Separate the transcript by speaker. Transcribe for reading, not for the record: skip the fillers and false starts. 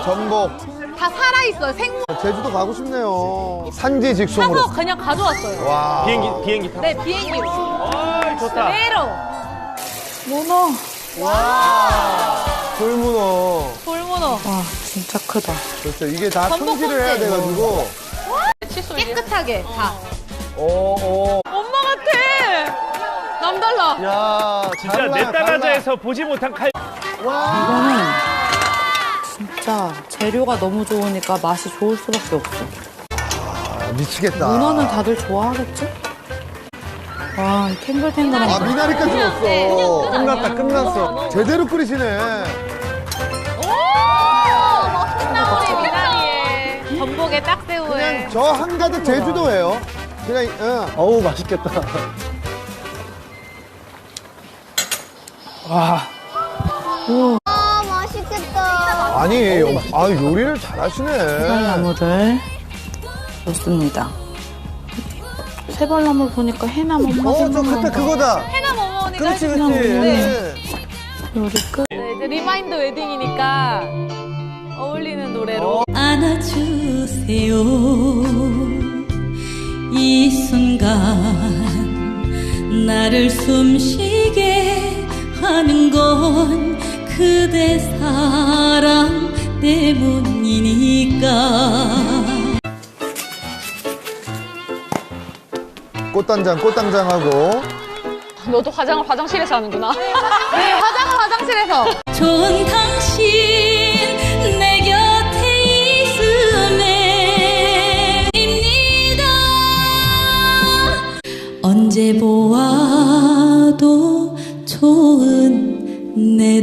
Speaker 1: 전복.
Speaker 2: 다 살아있어요. 생물
Speaker 1: 제주도 가고 싶네요. 산지 직송으로.
Speaker 2: 사서 그냥 가져왔어요.
Speaker 1: 와.
Speaker 3: 비행기 타고.
Speaker 2: 네, 비행기로.
Speaker 3: 아, 좋다.
Speaker 2: 그대로.
Speaker 4: 문어.
Speaker 1: 돌문어.
Speaker 2: 돌문어.
Speaker 4: 와, 진짜 크다.
Speaker 1: 그렇죠. 이게 다
Speaker 2: 전복
Speaker 1: 손질을 해야
Speaker 2: 껍질.
Speaker 1: 돼가지고.
Speaker 2: 깨끗하게 다.
Speaker 1: 오.
Speaker 2: 엄마 같아. 남달라.
Speaker 1: 야,
Speaker 3: 진짜
Speaker 1: 달라,
Speaker 3: 내
Speaker 1: 달라.
Speaker 3: 딸아자에서 보지 못한 칼.
Speaker 1: 와.
Speaker 4: 이거는 진짜 재료가 너무 좋으니까 맛이 좋을 수밖에 없어.
Speaker 1: 아, 미치겠다.
Speaker 4: 문어는 다들 좋아하겠지? 와, 이 탱글탱글한
Speaker 1: 아,
Speaker 4: 거.
Speaker 1: 미나리까지
Speaker 2: 네,
Speaker 1: 넣었어.
Speaker 2: 끝났다,
Speaker 1: 끝났어. 제대로 끓이시네.
Speaker 2: 오! 멋있다, 우리 미나리에. 전복에 딱새우에.
Speaker 1: 그냥 저 한가득 제주도예요. 그냥, 응.
Speaker 5: 어우, 맛있겠다.
Speaker 6: 아, 맛있겠다.
Speaker 1: 아니, 요리를 잘하시네.
Speaker 4: 세발나물을 넣습니다. 세발나물 보니까 해남 엄마
Speaker 5: 저
Speaker 4: 생각나.
Speaker 5: 그때 그거다.
Speaker 2: 해남 어머니가
Speaker 5: 그렇지,
Speaker 2: 해주신
Speaker 5: 그렇지.
Speaker 2: 네.
Speaker 4: 요리 끝.
Speaker 2: 네, 이제 리마인드 웨딩이니까 어울리는 노래로.
Speaker 7: 안아주세요. 이 순간 나를 숨쉬게 하는 건 그대 사랑 때문이니까.
Speaker 1: 꽃단장하고.
Speaker 2: 너도 화장을 화장실에서 하는구나. 네, 화장을 화장실에서.
Speaker 7: 좋은 당신 내 곁에 있음에 입니다. 언제 보아도 좋은 내